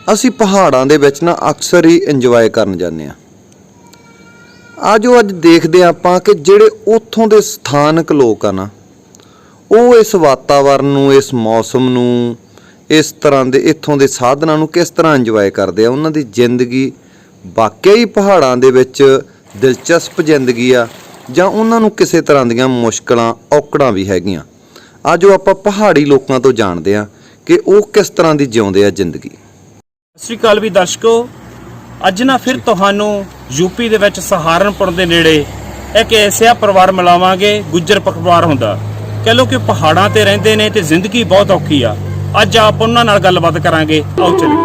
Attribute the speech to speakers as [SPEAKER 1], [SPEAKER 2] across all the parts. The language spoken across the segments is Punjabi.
[SPEAKER 1] ਅਸੀਂ ਪਹਾੜਾਂ ਦੇ ਵਿੱਚ ਨਾ ਅਕਸਰ ਹੀ ਇੰਜੋਏ ਕਰਨ ਜਾਂਦੇ ਹਾਂ। ਅੱਜ ਦੇਖਦੇ ਆਪਾਂ ਕਿ ਜਿਹੜੇ ਉੱਥੋਂ ਦੇ ਸਥਾਨਕ ਲੋਕ ਆ ਨਾ, ਉਹ ਇਸ ਵਾਤਾਵਰਨ ਨੂੰ, ਇਸ ਮੌਸਮ ਨੂੰ, ਇਸ ਤਰ੍ਹਾਂ ਦੇ ਇੱਥੋਂ ਦੇ ਸਾਧਨਾਂ ਨੂੰ ਕਿਸ ਤਰ੍ਹਾਂ ਇੰਜੋਏ ਕਰਦੇ ਆ। ਉਹਨਾਂ ਦੀ ਜ਼ਿੰਦਗੀ ਵਾਕਿਆ ਹੀ ਪਹਾੜਾਂ ਦੇ ਵਿੱਚ ਦਿਲਚਸਪ ਜ਼ਿੰਦਗੀ ਆ, ਜਾਂ ਉਹਨਾਂ ਨੂੰ ਕਿਸੇ ਤਰ੍ਹਾਂ ਦੀਆਂ ਮੁਸ਼ਕਲਾਂ ਔਕੜਾਂ ਵੀ ਹੈਗੀਆਂ। ਅੱਜ ਆਪਾਂ ਪਹਾੜੀ ਲੋਕਾਂ ਤੋਂ ਜਾਣਦੇ ਹਾਂ ਕਿ ਉਹ ਕਿਸ ਤਰ੍ਹਾਂ ਦੀ ਜਿਉਂਦੇ ਆ ਜ਼ਿੰਦਗੀ।
[SPEAKER 2] ਸਤਿ ਸ਼੍ਰੀ ਅਕਾਲ ਵੀ ਦਰਸ਼ਕੋ, ਅੱਜ ਨਾ ਫਿਰ ਤੁਹਾਨੂੰ ਯੂਪੀ ਦੇ ਵਿੱਚ ਸਹਾਰਨਪੁਰ ਦੇ ਨੇੜੇ ਇੱਕ ਐਸਾ ਪਰਿਵਾਰ ਮਿਲਾਵਾਂਗੇ। ਗੁੱਜਰ ਪਰਿਵਾਰ ਹੁੰਦਾ, ਕਹਿ ਲਓ ਕਿ ਪਹਾੜਾਂ ਤੇ ਰਹਿੰਦੇ ਨੇ ਤੇ ਜ਼ਿੰਦਗੀ ਬਹੁਤ ਔਖੀ ਆ। ਅੱਜ ਆਪ ਉਹਨਾਂ ਨਾਲ ਗੱਲਬਾਤ ਕਰਾਂਗੇ, ਆਓ ਚਲੀਏ।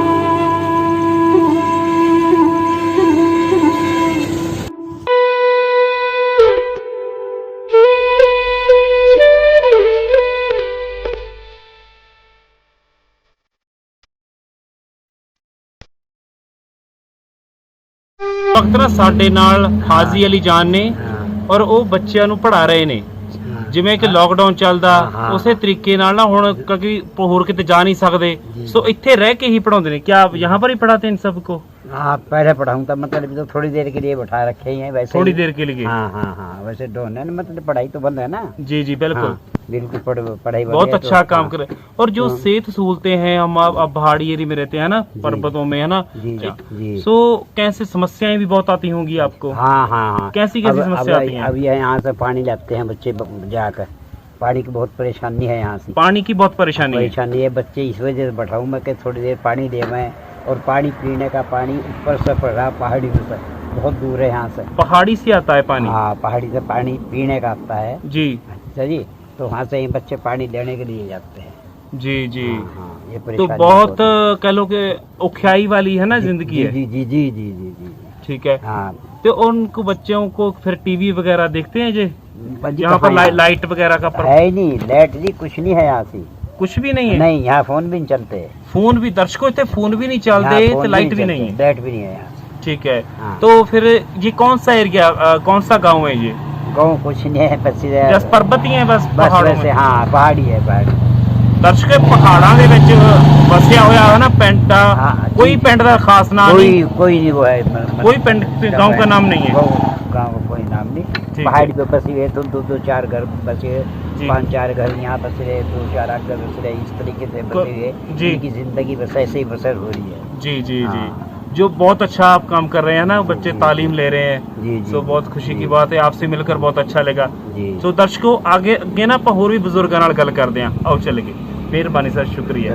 [SPEAKER 2] ਵਕਤ ਸਾਡੇ ਨਾਲ ਹਾਜ਼ੀ ਅਲੀ ਜਾਨ ਨੇ ਔਰ ਉਹ ਬੱਚਿਆਂ ਨੂੰ ਪੜ੍ਹਾ ਰਹੇ ਨੇ। ਜਿਵੇਂ ਕਿ ਲੋਕਡਾਊਨ ਚੱਲਦਾ ਉਸੇ ਤਰੀਕੇ ਨਾਲ ਨਾ ਹੁਣ ਕਿਉਂਕਿ ਹੋਰ ਕਿਤੇ ਜਾ ਨਹੀਂ ਸਕਦੇ, ਸੋ ਇੱਥੇ ਰਹਿ ਕੇ ਹੀ ਪढ़ाते हैं। क्या आप यहाँ पर ही पढ़ाते हैं इन सबको?
[SPEAKER 3] हाँ, पहले पढ़ाऊँ था, मतलब तो थोड़ी देर के लिए बैठा रखे ही हैं वैसे।
[SPEAKER 2] थोड़ी देर के लिए?
[SPEAKER 3] हाँ, वैसे डोन है, मतलब पढ़ाई तो बंद है ना।
[SPEAKER 2] जी बिल्कुल।
[SPEAKER 3] हाँ, बिल्कुल पढ़ाई
[SPEAKER 2] बहुत अच्छा काम करे। और जो सेहत सहूलतें हैं, हम अब पहाड़ी एरिया में रहते हैं ना, पर्वतों में है ना,
[SPEAKER 3] जी।
[SPEAKER 2] सो कैसे समस्याएं भी बहुत आती होंगी आपको?
[SPEAKER 3] हाँ।
[SPEAKER 2] कैसी समस्या आती है?
[SPEAKER 3] अब यहाँ से पानी लाते हैं बच्चे जाकर, पानी की बहुत परेशानी है यहाँ से।
[SPEAKER 2] पानी की बहुत परेशानी
[SPEAKER 3] है बच्चे, इस वजह से बैठाऊँ मैं कि थोड़ी देर पानी ले मैं। और पानी पीने का पानी ऊपर से पड़ रहा, पहाड़ी में से बहुत दूर है यहाँ से।
[SPEAKER 2] पहाड़ी से आता है पानी?
[SPEAKER 3] हाँ, पहाड़ी से पानी पीने का आता है
[SPEAKER 2] जी।
[SPEAKER 3] अच्छा जी, तो वहाँ से ही बच्चे पानी लेने के लिए जाते हैं।
[SPEAKER 2] जी
[SPEAKER 3] हाँ, ये
[SPEAKER 2] तो बहुत कह लो कि औखियाई वाली है ना जिंदगी है।
[SPEAKER 3] जी।
[SPEAKER 2] ठीक है।
[SPEAKER 3] हाँ,
[SPEAKER 2] तो उनको बच्चों को फिर टीवी वगैरह देखते हैं जी? यहाँ पर लाइट वगैरह का
[SPEAKER 3] है नहीं, लाइट जी कुछ नहीं है यहाँ से,
[SPEAKER 2] कुछ भी नहीं है।
[SPEAKER 3] नहीं, यहाँ फोन भी नहीं चलते।
[SPEAKER 2] फोन भी दर्शकों इतने फोन भी नहीं चलते, तो लाइट भी नहीं है।
[SPEAKER 3] लाइट भी नहीं है यहाँ।
[SPEAKER 2] ठीक है।
[SPEAKER 3] हाँ।
[SPEAKER 2] तो फिर ये कौन सा एरिया, कौन सा गांव है ये?
[SPEAKER 3] गाँव कुछ नहीं है, बस
[SPEAKER 2] पर्वत ही है बस
[SPEAKER 3] पहाड़ों से। हाँ, पहाड़ी है, पहाड़ी।
[SPEAKER 2] ਦਰਸ਼ਕ ਪਹਾੜਾਂ ਦੇ ਵਿੱਚ ਵਸਿਆ ਹੋਇਆ ਹੈ ਨਾ ਪਿੰਡ ਦਾ, ਕੋਈ ਪਿੰਡ ਦਾ ਖਾਸ ਨਾਮ ਨਹੀਂ,
[SPEAKER 3] कोई नहीं वो है,
[SPEAKER 2] कोई पिंड गांव का नाम नहीं है।
[SPEAKER 3] गांव का कोई नाम नहीं। पहाड़ी पे बसी हुए तो दो चार घर बसे, 5-4 घर यहाँ बस रहे, 2-4 घर बस रहे, इस तरीके से बसे हुए उनकी जिंदगी बस ऐसे ही बसर हो रही है। जी। जो बहुत अच्छा आप काम कर रहे हैं ना, बच्चे तालीम ले रहे हैं। जी। तो बहुत खुशी की बात है, आपसे मिलकर बहुत अच्छा लगा। तो दर्शकों आगे ना ਆਪਾਂ ਹੋਰ ਵੀ ਬਜ਼ੁਰਗਾਂ ਨਾਲ ਗੱਲ ਕਰਦੇ ਆਂ, ਆਓ ਚੱਲੀਏ। ਮਿਹਰਬਾਨੀ ਸਰ, ਸ਼ੁਕਰੀਆ।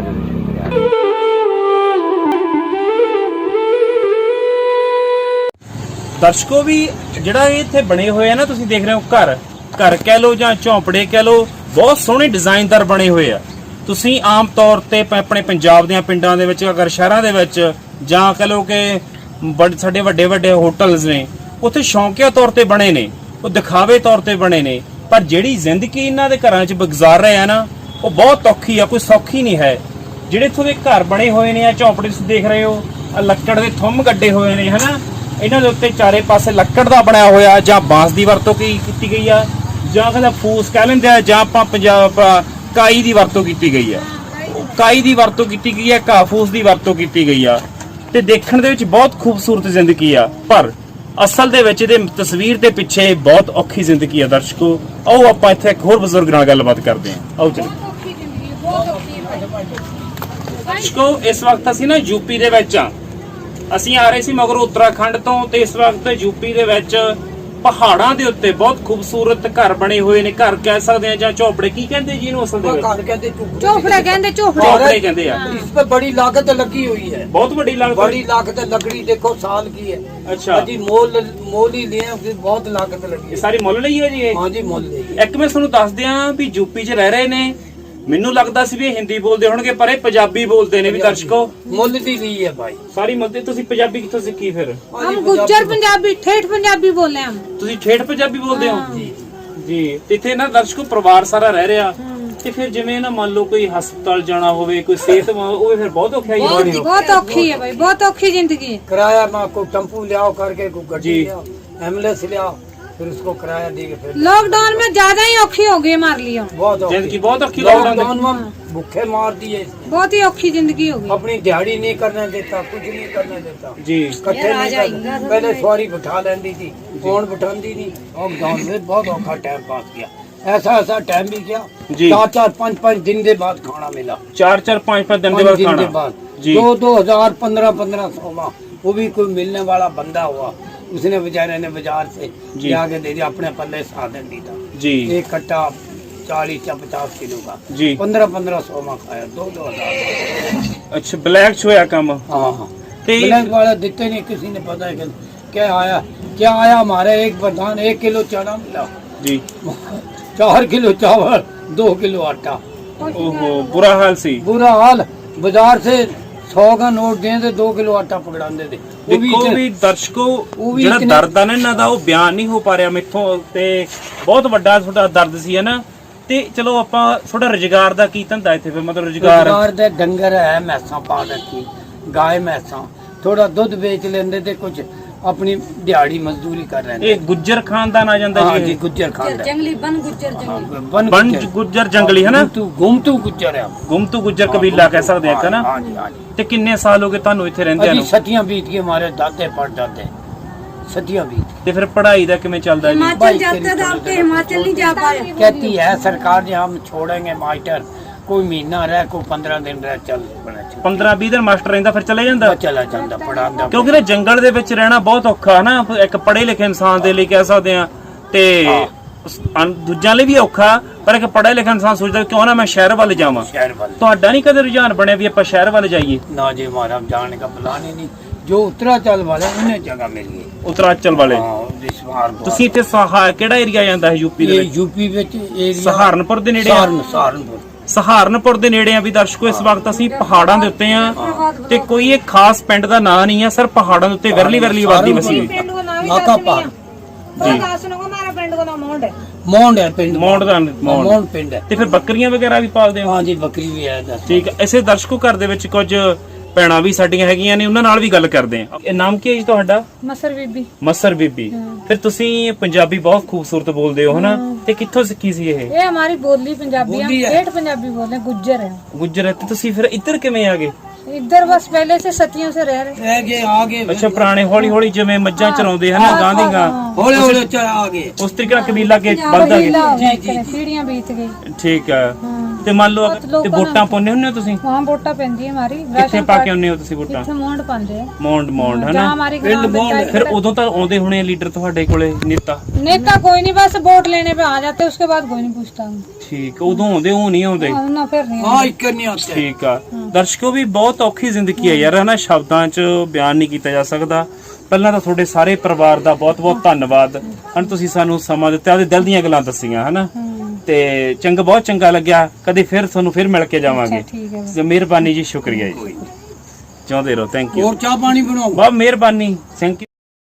[SPEAKER 3] ਦਰਸ਼ਕੋ ਵੀ ਜਿਹੜਾ ਇੱਥੇ ਬਣੇ ਹੋਏ ਆ ਨਾ, ਤੁਸੀਂ ਦੇਖ ਰਹੇ ਹੋ ਘਰ ਕਹਿ ਲੋ ਜਾਂ ਝੌਂਪੜੇ ਕਹਿ ਲੋ, ਬਹੁਤ ਸੋਹਣੇ ਡਿਜ਼ਾਈਨਦਾਰ ਬਣੇ ਹੋਏ ਆ। ਤੁਸੀਂ ਆਮ ਤੌਰ ਤੇ ਆਪਣੇ ਪੰਜਾਬ ਦੇ ਪਿੰਡਾਂ ਦੇ ਵਿੱਚ, ਅਗਰ ਸ਼ਹਿਰਾਂ ਦੇ ਵਿੱਚ ਜਾਂ ਕਹ ਲੋ ਕਿ ਸਾਡੇ ਵੱਡੇ ਹੋਟਲਸ ਨੇ, ਉੱਥੇ ਸ਼ੌਂਕੀਆ ਤੌਰ ਤੇ ਬਣੇ ਨੇ, ਉਹ ਦਿਖਾਵੇ ਤੌਰ ਤੇ ਬਣੇ ਨੇ। ਪਰ ਜਿਹੜੀ ਜ਼ਿੰਦਗੀ ਇਹਨਾਂ ਦੇ ਘਰਾਂ 'ਚ ਗੁਜ਼ਾਰ ਰਹੇ ਆ ਨਾ, ਉਹ ਬਹੁਤ ਔਖੀ ਆ, ਕੋਈ ਸੌਖੀ ਨਹੀਂ ਹੈ। ਜਿਹੜੇ ਇੱਥੋਂ ਦੇ ਘਰ ਬਣੇ ਹੋਏ ਨੇ, ਆ ਝੌਂਪੜੇ ਤੁਸੀਂ ਦੇਖ ਰਹੇ ਹੋ, ਲੱਕੜ ਦੇ ਥੰਮ ਗੱਡੇ ਹੋਏ ਨੇ ਹਨਾ, ਇਹਨਾਂ ਦੇ ਉੱਤੇ ਚਾਰੇ ਪਾਸੇ ਲੱਕੜ ਦਾ ਬਣਿਆ ਹੋਇਆ, ਜਾਂ ਬਾਂਸ ਦੀ ਵਰਤੋਂ ਕੀਤੀ ਗਈ ਆ, ਜਾਂ ਕਹਿੰਦਾ ਫੂਸ ਕਹਿ ਲੈਂਦੇ ਆ, ਜਾਂ ਆਪਾਂ ਪੰਜਾਬ ਕਾਈ ਦੀ ਵਰਤੋਂ ਕੀਤੀ ਗਈ ਆ। ਕਾਈ ਦੀ ਵਰਤੋਂ ਕੀਤੀ ਗਈ ਆ, ਘਾਹ ਫੂਸ ਦੀ ਵਰਤੋਂ ਕੀਤੀ ਗਈ ਆ, ਤੇ ਦੇਖਣ ਦੇ ਵਿੱਚ ਬਹੁਤ ਖੂਬਸੂਰਤ ਜ਼ਿੰਦਗੀ ਆ, ਪਰ ਅਸਲ ਦੇ ਵਿੱਚ ਇਹਦੇ ਤਸਵੀਰ ਦੇ ਪਿੱਛੇ ਬਹੁਤ ਔਖੀ ਜ਼ਿੰਦਗੀ ਆ। ਦਰਸ਼ਕੋ ਆਓ ਆਪਾਂ ਇੱਥੇ ਇੱਕ ਹੋਰ ਬਜ਼ੁਰਗ ਨਾਲ ਗੱਲਬਾਤ ਕਰਦੇ ਹਾਂ, ਆਓ ਚਲੋ। ਦਰਸ਼ਕੋ ਇਸ ਵਕਤ ਅਸੀਂ ਨਾ ਯੂਪੀ ਦੇ ਵਿੱਚ ਆ, ਅਸੀਂ ਆ ਰਹੇ ਸੀ ਮਗਰੋਂ ਉੱਤਰਾਖੰਡ ਤੋਂ, ਤੇ ਇਸ ਵਕਤ ਯੂਪੀ ਦੇ ਵਿੱਚ ਪਹਾੜਾਂ ਦੇ ਉੱਤੇ ਬਹੁਤ ਖੂਬਸੂਰਤ ਘਰ ਬਣੇ ਹੋਏ ਨੇ। ਘਰ ਕਹਿ ਸਕਦੇ ਆ ਜਾਂ ਝੌਂਪੜੇ, ਕੀ ਕਹਿੰਦੇ ਜੀ ਇਹਨੂੰ ਅਸਲ ਦੇ ਵਿੱਚ?
[SPEAKER 4] ਝੌਂਪੜੇ
[SPEAKER 2] ਕਹਿੰਦੇ ਆ।
[SPEAKER 5] इस पे बड़ी लागत लगी हुई है,
[SPEAKER 2] ਬਹੁਤ ਵੱਡੀ लागत।
[SPEAKER 5] बड़ी लागत लकड़ी देखो साल की है।
[SPEAKER 2] अच्छा
[SPEAKER 5] जी, मोल ही लिए, बहुत लागत लगी
[SPEAKER 2] ਇਹ ਸਾਰੀ ਮੁੱਲ ਲਈ ਹੈ ਜੀ?
[SPEAKER 5] हाँ जी, मोल लिए।
[SPEAKER 2] ਇੱਕ ਮੈਂ ਤੁਹਾਨੂੰ ਦੱਸ ਦਿਆਂ ਵੀ ਯੂਪੀ 'ਚ ਰਹਿ ਰਹੇ ਨੇ, ਮੈਨੂੰ ਲੱਗਦਾ ਸੀ ਵੀ ਇਹ ਹਿੰਦੀ ਬੋਲਦੇ ਹੋਣਗੇ, ਪਰ ਇਹ ਪੰਜਾਬੀ ਬੋਲਦੇ ਨੇ ਵੀ ਦਰਸ਼ਕੋ।
[SPEAKER 5] ਮੁੱਲ ਦੀ ਲਈ है भाई,
[SPEAKER 2] ਸਾਰੀ ਮੁੱਲ ਦੀ। ਤੁਸੀਂ ਪੰਜਾਬੀ ਕਿੱਥੋਂ ਸਿੱਖੀ ਫਿਰ?
[SPEAKER 4] हम गुज्जर पंजाबी ठेठ पंजाबी बोले हम।
[SPEAKER 2] ਤੁਸੀਂ ਠੇਠ ਪੰਜਾਬੀ ਬੋਲਦੇ ਹੋ? ਜੀ। ਤੇ ਇੱਥੇ ਨਾ ਦਰਸ਼ਕੋ ਪਰਿਵਾਰ ਸਾਰਾ ਰਹਿ ਰਿਹਾ, ਤੇ ਫਿਰ ਜਿਵੇਂ ਨਾ ਮੰਨ ਲਓ ਕੋਈ ਹਸਪਤਾਲ ਜਾਣਾ ਹੋਵੇ, ਕੋਈ ਸਿਹਤ ਹੋਵੇ, ਫਿਰ ਬਹੁਤ ਔਖਾਈ ਹੋਣੀ।
[SPEAKER 4] बहुत औखी है भाई, बहुत औखी जिंदगी।
[SPEAKER 5] किराया में को टेम्पू ले आओ करके, को गड्डी ले आओ, एम्बुलेंस ले आओ, फिर उसको किराया दे के फिर
[SPEAKER 4] लॉकडाउन में ज्यादा ही औखी हो गई हमारे लिए
[SPEAKER 5] बहुत औखी।
[SPEAKER 3] ਜ਼ਿੰਦਗੀ ਬਹੁਤ ਔਖੀ ਲੱਗਦਾ
[SPEAKER 5] लॉकडाउन में भूखे मार दिए इसने।
[SPEAKER 4] बहुत ही औखी जिंदगी हो गई।
[SPEAKER 5] अपनी दिहाड़ी नहीं करने देता, कुछ नहीं करने देता,
[SPEAKER 3] ਜੀ
[SPEAKER 5] इकट्ठे नहीं करने। पहले सवारी बिठा लेती थी, कौन बिठाती नहीं। लॉकडाउन में बहुत औखा टाइम पास किया, ऐसा ऐसा टाइम भी किया।
[SPEAKER 3] जी।
[SPEAKER 5] 4-4 5-5 दिन के बाद खाना मिला,
[SPEAKER 3] 4-4 5-5 ਦਿਨ ਦੇ
[SPEAKER 5] 5
[SPEAKER 3] ਬਾਅਦ
[SPEAKER 5] दिन के
[SPEAKER 3] ਖਾਣਾ
[SPEAKER 5] बाद
[SPEAKER 3] जी।
[SPEAKER 5] 2-2 हजार 1500 में वो भी कोई मिलने वाला बंदा हुआ, उसने बेचारे ने बाजार से
[SPEAKER 3] जी।
[SPEAKER 5] जाके दे दिया, अपने पल्ले साधन दी था।
[SPEAKER 3] ਜੀ
[SPEAKER 5] एक कट्टा 40 या 50 किलो का
[SPEAKER 3] जी
[SPEAKER 5] 1500 में खाया, 2-2 हजार।
[SPEAKER 3] ਅੱਛਾ ਬਲੈਕ ਚ ਹੋਇਆ ਕੰਮ
[SPEAKER 5] हाँ हाँ,
[SPEAKER 3] ਤੇ
[SPEAKER 5] ब्लैक वाला देते नहीं, किसी ने पता है कि क्या आया हमारे एक प्रधान 1 किलो चना मिला,
[SPEAKER 3] ਜੀ
[SPEAKER 5] 4 किलो चावल, 2 किलो आटा।
[SPEAKER 3] ਓਹੋ ਬੁਰਾ ਹਾਲ ਸੀ
[SPEAKER 5] बुरा हाल, बाजार से 100 का नोट दें तो 2 किलो आटा पकड़ाते थे। वो भी
[SPEAKER 3] ਦੇਖੋ
[SPEAKER 5] इतने-
[SPEAKER 3] ਵੀ ਦਰਸ਼ਕੋ
[SPEAKER 5] ਉਹ ਵੀ
[SPEAKER 3] ਜਿਹੜਾ
[SPEAKER 5] ਇਤਨੇ-
[SPEAKER 3] ਦਰਦ ਆ ਨਾ ਇਹਨਾਂ ਦਾ ਉਹ ਬਿਆਨ ਨਹੀਂ ਹੋ ਪਾ ਰਿਹਾ ਮੈਥੋਂ ਤੇ ਬਹੁਤ ਵੱਡਾ ਤੁਹਾਡਾ ਦਰਦ ਸੀ ਹੈ ਨਾ ਤੇ ਚਲੋ ਆਪਾਂ ਥੋੜਾ ਰੁਜ਼ਗਾਰ ਦਾ ਕੀ ਧੰਦਾ ਇੱਥੇ ਫਿਰ ਮਤਲਬ ਰੁਜ਼ਗਾਰ
[SPEAKER 5] रोजगार दे डंगर है, मैसा पा रखी, गाय मैसा, थोड़ा दूध बेच लेंदे थे, कुछ अपनी दिहाड़ी मजदूरी कर रहे
[SPEAKER 3] ਇਹ ਗੁੱਜਰ ਖਾਨਦਾਨ ਆ ਜਾਂਦਾ
[SPEAKER 5] हाँ
[SPEAKER 3] ਜੀ
[SPEAKER 5] जी,
[SPEAKER 3] ਇਹ?
[SPEAKER 5] गुज्जर खानदान,
[SPEAKER 4] जंगली बन गुज्जर
[SPEAKER 5] बन
[SPEAKER 3] ਬਣ
[SPEAKER 5] गुज्जर,
[SPEAKER 3] ਗੁੱਜਰ ਜੰਗਲੀ ਹੈ ਨਾ
[SPEAKER 5] घूमतू गुज्जर है हम।
[SPEAKER 3] ਗੁੰਮਤੂ ਗੁੱਜਰ ਕਬੀਲਾ ਕਹਿ ਸਕਦੇ ਆ ਨਾ
[SPEAKER 5] हाँ जी हाँ जी।
[SPEAKER 3] ਤੇ ਕਿੰਨੇ ਸਾਲ ਹੋ ਗਏ ਤੁਹਾਨੂੰ ਇੱਥੇ ਰਹਿੰਦਿਆਂ
[SPEAKER 5] अभी
[SPEAKER 3] ਨੂੰ
[SPEAKER 5] सतियां बीत गई, हमारे दादे परदादे सतियां बीत।
[SPEAKER 3] ਤੇ ਫਿਰ पढ़ाई ਦਾ ਕਿਵੇਂ ਚੱਲਦਾ ਜੀ
[SPEAKER 5] हिमाचल जाते थे, आपके हिमाचल नहीं जा पाए। कहती है सरकार ने हम छोड़ेंगे मास्टर, कोई महीना रह, कोई 15 दिन रह, चल बड़ा चल
[SPEAKER 3] 15-20 ਦਿਨ ਮਾਸਟਰ ਰਹਿੰਦਾ ਫਿਰ ਚਲੇ ਜਾਂਦਾ
[SPEAKER 5] चला जाता पढ़ाता।
[SPEAKER 3] ਕਿਉਂਕਿ ਨਾ ਜੰਗਲ ਦੇ ਵਿੱਚ ਰਹਿਣਾ ਬਹੁਤ ਔਖਾ ਹੈ ਨਾ ਇੱਕ ਪੜ੍ਹੇ ਲਿਖੇ ਇਨਸਾਨ ਦੇ ਲਈ ਕਹਿ ਸਕਦੇ ਆ ਤੇ ਦੂਜਿਆਂ ਲਈ ਵੀ ਔਖਾ ਪਰ ਇੱਕ ਪੜ੍ਹੇ ਲਿਖੇ ਇਨਸਾਨ ਸੋਚਦਾ ਕਿਉਂ ਨਾ ਮੈਂ ਸ਼ਹਿਰ ਵੱਲ ਜਾਵਾਂ
[SPEAKER 5] शहर वाले
[SPEAKER 3] ਤੁਹਾਡਾ ਨਹੀਂ ਕਦੇ ਰੁਝਾਨ ਬਣਿਆ ਵੀ ਆਪਾਂ ਸ਼ਹਿਰ ਵੱਲ ਜਾਈਏ
[SPEAKER 5] ना जी, हमारा जाने का प्लान ही नहीं। जो उत्तराचल वाले उन्हें जगह मिल गई।
[SPEAKER 3] ਉਤਰਾਚਲ ਵਾਲੇ
[SPEAKER 5] हाँ, इस बार बहुत-
[SPEAKER 3] ਤੁਸੀਂ ਇੱਥੇ ਕਿਹੜਾ ਏਰੀਆ ਜਾਂਦਾ ਹੈ ਯੂਪੀ ਦੇ
[SPEAKER 5] ये
[SPEAKER 3] ਵਿੱਚ
[SPEAKER 5] यूपी ਵਿੱਚ ਏਰੀਆ
[SPEAKER 3] ਸਹਾਰਨਪੁਰ ਦੇ ਨੇੜੇ ਆ
[SPEAKER 5] ਸਹਾਰਨਪੁਰ
[SPEAKER 3] ਸਹਾਰਨਪੁਰ ਦੇ ਨੇੜੇ ਆ ਵੀ ਦਰਸ਼ਕੋ ਇਸ ਵਕਤ ਅਸੀਂ ਪਹਾੜਾਂ ਦੇ ਉੱਤੇ ਆ ਤੇ ਕੋਈ ਇੱਕ ਖਾਸ ਪਿੰਡ ਦਾ ਨਾਂ ਨਹੀਂ ਆ ਸਰ ਪਹਾੜਾਂ ਦੇ ਉੱਤੇ ਵਿਰਲੀ ਵਿਰਲੀ ਆਬਾਦੀ ਵਸੀ ਹੋਈ
[SPEAKER 4] पिंड को नाम ही
[SPEAKER 5] नाका
[SPEAKER 4] दस
[SPEAKER 5] पहाड़,
[SPEAKER 4] नहीं है। दस को हमारा पिंड को नाम मोंड है।
[SPEAKER 5] ਮੌਂਡ ਹੈ ਪਿੰਡ,
[SPEAKER 3] ਮੌਂਡ ਦਾ ਮੌਂਡ
[SPEAKER 5] ਮੌਂਡ ਪਿੰਡ ਹੈ।
[SPEAKER 3] ਤੇ ਫਿਰ ਬੱਕਰੀਆਂ ਵਗੈਰਾ ਵੀ ਪਾਲਦੇ ਹੋ
[SPEAKER 5] ਹਾਂ ਜੀ, ਬੱਕਰੀ ਵੀ ਹੈ 10।
[SPEAKER 3] ਠੀਕ ਹੈ ਇਸੇ ਦਰਸ਼ਕੋ ਘਰ ਦੇ ਵਿੱਚ ਕੁਝ ਭੈਣਾਂ ਵੀ ਸਾਡੀਆਂ ਹੈਗੀਆਂ ਨੇ ਉਹਨਾਂ ਨਾਲ ਵੀ ਗੱਲ ਕਰਦੇ ਆ ਇਹ ਨਾਮ ਕੀ ਹੈ ਜੀ ਤੁਹਾਡਾ
[SPEAKER 4] मसर बीबी।
[SPEAKER 3] ਮਸਰ ਬੀਬੀ ਫਿਰ ਤੁਸੀਂ ਪੰਜਾਬੀ ਬਹੁਤ ਖੂਬਸੂਰਤ ਬੋਲਦੇ ਹੋ ਹਨਾ ਤੇ ਕਿੱਥੋਂ ਸਿੱਖੀ ਸੀ ਇਹ
[SPEAKER 4] ये हमारी बोली पंजाबी, हम
[SPEAKER 5] बोली है।
[SPEAKER 4] ठेठ पंजाबी बोलते हैं, गुज्जर है।
[SPEAKER 3] ਗੁਜਰਾਤ ਤੇ ਤੁਸੀਂ ਫਿਰ ਇੱਧਰ ਕਿਵੇਂ ਆ ਗਏ
[SPEAKER 4] इधर बस पहले से सतियों से रह रहे।
[SPEAKER 5] ਰਹਿ ਗਏ ਆਗੇ,
[SPEAKER 3] ਅੱਛਾ ਪੁਰਾਣੇ ਹੌਲੀ ਹੌਲੀ ਜਿਵੇਂ ਮੱਝਾਂ ਚਰਾਉਂਦੇ ਹਨਾ ਗਾਂਧੀਆਂ
[SPEAKER 5] ਹੌਲੇ ਹੌਲੇ ਚਲ ਆਗੇ।
[SPEAKER 3] ਉਸ ਤਰੀਕੇ ਨਾਲ ਕਬੀਲਾ ਕੇ ਵੱਧਦਾ
[SPEAKER 4] बहीला
[SPEAKER 3] ਗਿਆ
[SPEAKER 4] हो गया, इतने सीढ़ियां बीत गई।
[SPEAKER 3] ਠੀਕ ਹੈ
[SPEAKER 4] हाँ।
[SPEAKER 3] ਤੇ ਮੰਨ ਲਓ
[SPEAKER 4] ਬਹੁਤ ਲੋਕਾਂ
[SPEAKER 3] ਤੇ ਵੋਟਾਂ ਪਾਉਂਦੇ ਹੁੰਦੇ ਹੋ ਤੁਸੀਂ
[SPEAKER 4] वहाँ वोटा पैंदी है हमारी।
[SPEAKER 3] ਕਿੱਥੇ ਪਾ ਕੇ ਆਉਂਦੇ ਹੋ ਤੁਸੀਂ ਵੋਟਾਂ
[SPEAKER 4] इतने मोंड पाते हैं।
[SPEAKER 3] ਮੌਂਡ ਮੌਂਡ
[SPEAKER 4] जहाँ
[SPEAKER 3] ਹਨਾ
[SPEAKER 4] हमारी ग्राम पंचायत
[SPEAKER 3] ਫਿਰ ਉਦੋਂ ਤਾਂ ਆਉਂਦੇ ਹੋਣੇ ਲੀਡਰ ਤੁਹਾਡੇ ਕੋਲੇ ਨੇਤਾ
[SPEAKER 4] नेता कोई नहीं, बस वोट लेने पे आ जाते, उसके बाद कोई नहीं पूछता।
[SPEAKER 3] ਠੀਕ ਉਦੋਂ ਆਉਂਦੇ ਉਹ ਨਹੀਂ ਆਉਂਦੇ
[SPEAKER 4] ना फिर नहीं
[SPEAKER 5] ਹਾਂ, ਇੱਕ ਨਹੀਂ ਆਤੇ।
[SPEAKER 3] ਠੀਕ ਆ ਦਰਸ਼ਕੋ ਵੀ ਬਹੁਤ ਔਖੀ ਜ਼ਿੰਦਗੀ ਹੈ ਯਾਰ ਹਨਾ ਸ਼ਬਦਾਂ 'ਚ ਬਿਆਨ ਨਹੀਂ ਕੀਤਾ ਜਾ ਸਕਦਾ ਪਹਿਲਾਂ ਤਾਂ ਤੁਹਾਡੇ ਸਾਰੇ ਪਰਿਵਾਰ ਦਾ ਬਹੁਤ-ਬਹੁਤ ਧੰਨਵਾਦ ਹਨ ਤੁਸੀਂ ਸਾਨੂੰ ਸਮਾਂ ਦਿੱਤਾ ਉਹਦੇ ਦਿਲ ਦੀਆਂ ਗੱਲਾਂ ਦੱਸੀਆਂ ਹਨਾ ਤੇ ਚੰਗਾ ਬਹੁਤ ਚੰਗਾ ਲੱਗਿਆ ਕਦੇ ਫਿਰ ਤੁਹਾਨੂੰ ਫਿਰ ਮਿਲ ਕੇ ਜਾਵਾਂਗੇ
[SPEAKER 4] ठीक है।
[SPEAKER 3] ਜੀ ਮਿਹਰਬਾਨੀ ਜੀ ਸ਼ੁਕਰੀਆ ਜੀ ਚਾਹੁੰਦੇ ਰਹੋ ਥੈਂਕ ਯੂ
[SPEAKER 5] ਹੋਰ ਚਾਹ ਪਾਣੀ ਬਣਾਓ।
[SPEAKER 3] ਬਹੁਤ ਮਿਹਰਬਾਨੀ ਥੈਂਕ ਯੂ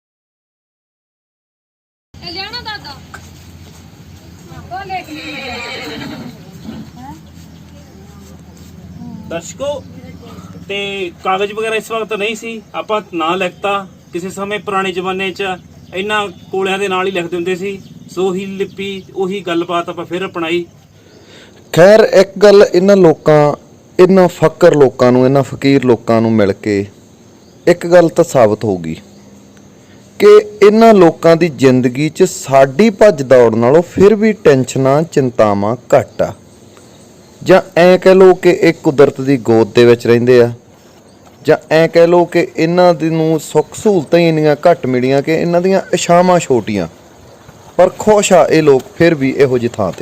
[SPEAKER 3] ਦਰਸ਼ਕੋ ਤੇ ਕਾਗਜ਼ ਵਗੈਰਾ ਇਸ ਵਕਤ ਨਹੀਂ ਸੀ ਆਪਾਂ ਨਾਂ ਲਿਖਤਾ ਕਿਸੇ ਸਮੇਂ ਪੁਰਾਣੇ ਜ਼ਮਾਨੇ 'ਚ ਇਹਨਾਂ ਕੋਲਿਆਂ ਦੇ ਨਾਲ ਹੀ ਲਿਖਦੇ ਹੁੰਦੇ ਸੀ ਸੋ ਹੀ ਲਿਪੀ ਉਹੀ ਗੱਲਬਾਤ ਆਪਾਂ ਫਿਰ ਅਪਣਾਈ
[SPEAKER 1] ਖੈਰ ਇੱਕ ਗੱਲ ਇਹਨਾਂ ਲੋਕਾਂ ਇਹਨਾਂ ਫਕਰ ਲੋਕਾਂ ਨੂੰ ਇਹਨਾਂ ਫਕੀਰ ਲੋਕਾਂ ਨੂੰ ਮਿਲ ਕੇ ਇੱਕ ਗੱਲ ਤਾਂ ਸਾਬਤ ਹੋਊਗੀ ਕਿ ਇਹਨਾਂ ਲੋਕਾਂ ਦੀ ਜ਼ਿੰਦਗੀ 'ਚ ਸਾਡੀ ਭੱਜ ਦੌੜ ਨਾਲੋਂ ਫਿਰ ਵੀ ਟੈਨਸ਼ਨਾਂ ਚਿੰਤਾਵਾਂ ਘੱਟ ਆ ਜਾਂ ਐ ਕਹਿ ਲਓ ਕਿ ਇਹ ਕੁਦਰਤ ਦੀ ਗੋਦ ਦੇ ਵਿੱਚ ਰਹਿੰਦੇ ਆ ਜਾਂ ਐ ਕਹਿ ਲਓ ਕਿ ਇਹਨਾਂ ਦੀ ਨੂੰ ਸੁੱਖ ਸਹੂਲਤਾਂ ਹੀ ਇੰਨੀਆਂ ਘੱਟ ਮਿਲੀਆਂ ਕਿ ਇਹਨਾਂ ਦੀਆਂ ਇਛਾਵਾਂ ਛੋਟੀਆਂ ਪਰ ਖੁਸ਼ ਆ ਇਹ ਲੋਕ ਫਿਰ ਵੀ ਇਹੋ ਜਿਹੀ ਥਾਂ ਤੇ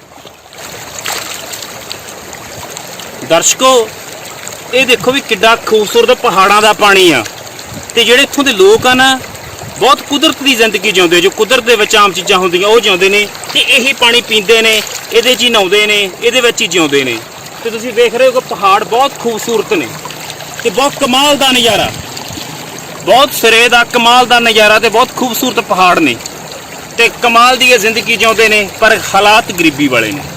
[SPEAKER 3] ਦਰਸ਼ਕੋ ਇਹ ਦੇਖੋ ਵੀ ਕਿੱਡਾ ਖੂਬਸੂਰਤ ਪਹਾੜਾਂ ਦਾ ਪਾਣੀ ਆ ਤੇ ਜਿਹੜੇ ਇੱਥੋਂ ਦੇ ਲੋਕ ਆ ਨਾ ਬਹੁਤ ਕੁਦਰਤ ਦੀ ਜ਼ਿੰਦਗੀ ਜਿਉਂਦੇ ਜੋ ਕੁਦਰਤ ਦੇ ਵਿੱਚ ਆਮ ਚੀਜ਼ਾਂ ਹੁੰਦੀਆਂ ਉਹ ਜਿਉਂਦੇ ਨੇ ਤੇ ਇਹੀ ਪਾਣੀ ਪੀਂਦੇ ਨੇ ਇਹਦੇ 'ਚ ਹੀ ਨਹਾਉਂਦੇ ਨੇ ਇਹਦੇ ਵਿੱਚ ਹੀ ਜਿਉਂਦੇ ਨੇ ਤੇ ਤੁਸੀਂ ਵੇਖ ਰਹੇ ਹੋ ਕਿ ਪਹਾੜ ਬਹੁਤ ਖੂਬਸੂਰਤ ਨੇ ਤੇ ਬਹੁਤ ਕਮਾਲ ਦਾ ਨਜ਼ਾਰਾ ਬਹੁਤ ਸਿਰੇ ਦਾ ਕਮਾਲ ਦਾ ਨਜ਼ਾਰਾ ਤੇ ਬਹੁਤ ਖੂਬਸੂਰਤ ਪਹਾੜ ਨੇ ਤੇ ਕਮਾਲ ਦੀ ਇਹ ਜ਼ਿੰਦਗੀ ਜਿਉਂਦੇ ਨੇ ਪਰ ਹਾਲਾਤ ਗਰੀਬੀ ਵਾਲੇ ਨੇ